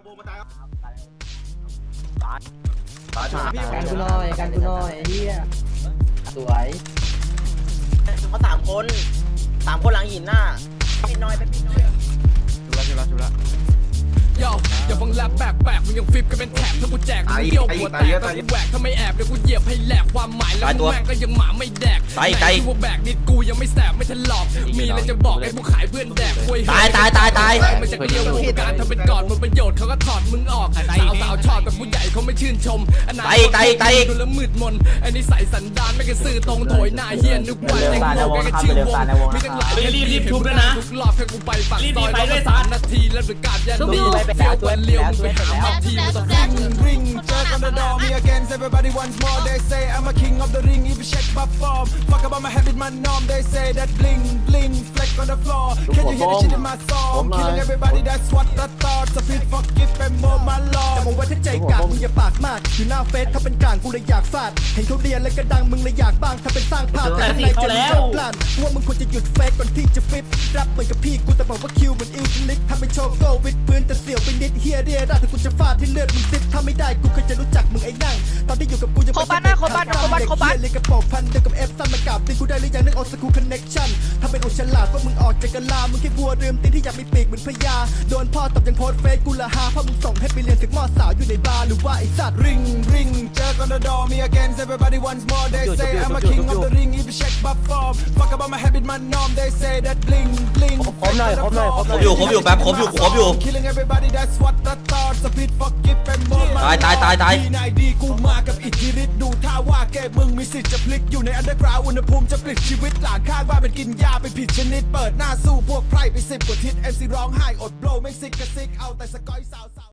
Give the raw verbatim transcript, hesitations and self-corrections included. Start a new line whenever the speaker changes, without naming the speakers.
กันกูหน่อยกันกูหน่อยเฮียสวย
เขาสามคนสามคนหลังหินหน้าเป็นน้อยเป็นน้อยชุละชุละชุละ
โย่อย่าฟังแรปแบกแบกมึงยังฟิปกันเป็นแถบถ้ากูแจกมึงเยี่ยวหัวแตกถ้ากูแหวกถ้าไม่แอบเดี๋ยวกูเหยียบให้แหลกความหมายแล้วมึงแม่งก็ยังหมาไม่แดกไอ้พวกแบกนิดกูยังไม่แสบไม่ทันหลอกมีอะไรจะบอกไอ้พวกขายเพื่อนแดกคุยตายตายตายตายมันจะเกี่ยวกับการทำเป็นก่อนมันประโยชน์เขาก็ถอดมึงออกสาวสาวชอบแต่ผู้ใหญ่เขาไม่ชื่นชมอันไหนตายตายดูแล้วมืดมนอันนี้ใส่สันดานไม่กระซื่อตรงโถยหน้าเฮียนึกว่าแต่งโลกแกชื่อวงมีตั้งหลายรีบรีบทุบด้วยนะทุกรอบแค่กูไปปากซอยแล้วสามนาทีแล้วประกาศยันดีเฟี้ยววันเลี้ยวมึงไปหาเอาทีมาสักที
Ring, jerk on the door, me against everybody once more. They say I'm a king of the ring, if you check my form. Fuck about my habit, my norm. They say that bling, bling, fleck on the floor. Can you hear the shit in my song? Killing everybody, that's what I thought. So please forgive and more my lord.
แต่มองไว้ถ้าใจกากมึงอย่าปากมากอยู่หน้าเฟซถ้าเป็นกลางกูเลยอยากฟาดเห็นเขาเรียนแล้วก็ดังมึงเลยอยากบ้างถ้าเป็นสร้างภาพแต่ข้างในจะมีจับพลันว่ามึงควรจะหยุดเฟซก่อนที่จะฟิตรับเหมือนกับพี่กูแต่บอกว่าคิวเหมือนอิวลิกทำเป็นโชว์โก้วิดพื้นแต่เสี่ยวไปนิดเฮียเรียราถ้ากูจะฟาดที่เลือดมึงซิดถ้าไม่ได้กูเคยจะรู้จักมึงไอ้นั่งตอนที่อยู่กับกูยังไม่ใช่เด็กขาดเด็กเฮียเลยกระโปรงพันเดียวกับเอฟซันมากราบตีกูได้หรือยังนึกออกสกูคอนเน็กชั่นถ้าเป็นอุฉลาดว่ามึงออกจากกะลามึงแค่วัวเรือมตีนที่อยากมีปีกเหมือนพญาโดนพ่อตบยังโพสเฟซกูละฮาเพราะมึงส่งให้ไปเรียนถึงมอสาวอยู่ในบาร์หรือว่าไอ้สัตว์
Ring, ring, jerk on the door, me against everybody once more. They say I'm a king of the ring, if you check my form. Fuck about my habit, my norm. They say that bling, bling, fleck on the floor.
ครบอยู่ครบอยู่แป๊บครบอยู่ครบอยู่
Killing everybody, that's what I thought. So please forgive and more my
ตายตายตายตาย
ดีนายดีกูมากับอิทธิฤทธิ์ดูท่าว่าแกมึงมีสิทธิ์จะพลิกอยู่ในอันเดอร์กราวอุณหภูมิจะปลิดชีวิตหลานข้างบ้านเป็นกินยาไปผิดชนิดเปิดหน้าสู้พวกไพร่ไปสิบกว่าทิศเอ็มซีร้องไห้อดโบลไม่ซิกกระซิกเอาแต่สกอยสาว